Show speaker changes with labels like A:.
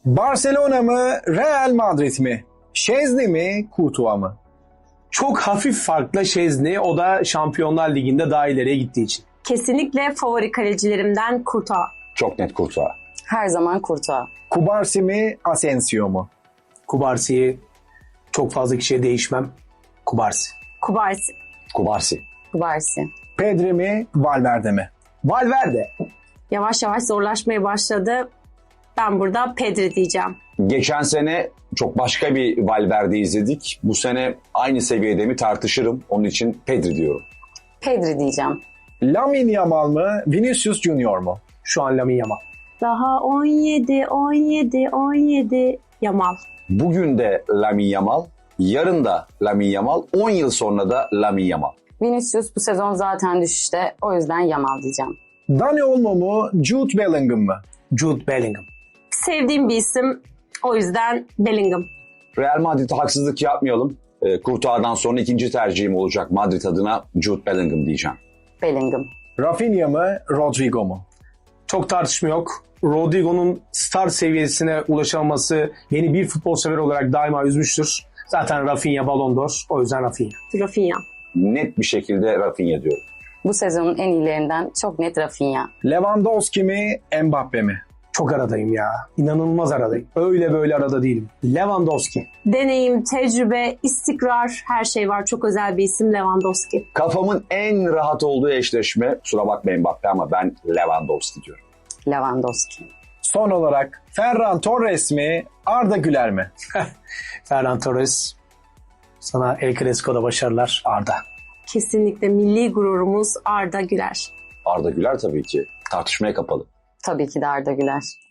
A: Barcelona mı, Real Madrid mi? Şezni mi, Courtois mı?
B: Çok hafif farklı Şezni, o da Şampiyonlar Ligi'nde daha ileriye gittiği için.
C: Kesinlikle favori kalecilerimden Courtois.
D: Çok net Courtois.
E: Her zaman Courtois.
A: Kubarsi mi, Asensio mu?
B: Kubarsi'yi çok fazla kişiye değişmem. Kubarsi.
C: Kubarsi.
D: Kubarsi.
E: Kubarsi.
A: Pedri mi, Valverde mi?
B: Valverde.
C: Yavaş yavaş zorlaşmaya başladı. Ben burada Pedri diyeceğim.
D: Geçen sene çok başka bir Valverde izledik. Bu sene aynı seviyede mi tartışırım. Onun için Pedri diyorum.
E: Pedri diyeceğim.
A: Lamine Yamal mı, Vinicius Junior mu?
B: Şu an Lamine Yamal.
C: Daha 17 Yamal.
D: Bugün de Lamine Yamal, yarın da Lamine Yamal, 10 yıl sonra da Lamine Yamal.
E: Vinicius bu sezon zaten düşüşte. O yüzden Yamal diyeceğim.
A: Dani Olmo mu, Jude Bellingham mı?
B: Jude Bellingham.
C: Sevdiğim bir isim. O yüzden Bellingham.
D: Real Madrid'e haksızlık yapmayalım. Courtois'dan sonra ikinci tercihim olacak Madrid adına Jude Bellingham diyeceğim.
E: Bellingham.
A: Rafinha mı, Rodrigo mu?
B: Çok tartışma yok. Rodrigo'nun star seviyesine ulaşamaması beni bir futbol sever olarak daima üzmüştür. Zaten Rafinha Ballon d'Or. O yüzden Rafinha.
C: Rafinha.
D: Net bir şekilde Rafinha diyorum.
E: Bu sezonun en iyilerinden çok net Rafinha.
A: Lewandowski mi, Mbappe mi?
B: Çok aradayım ya. İnanılmaz aradayım. Öyle böyle arada değilim. Lewandowski.
C: Deneyim, tecrübe, istikrar, her şey var. Çok özel bir isim Lewandowski.
D: Kafamın en rahat olduğu eşleşme, kusura bakmayın Mbappe ama ben Lewandowski diyorum.
E: Lewandowski.
A: Son olarak Ferran Torres mi, Arda Güler mi?
B: Ferran Torres. Sana El Clasico'da başarılar Arda.
C: Kesinlikle milli gururumuz Arda Güler.
D: Arda Güler tabii ki tartışmaya kapalı.
E: Tabii ki de Arda Güler.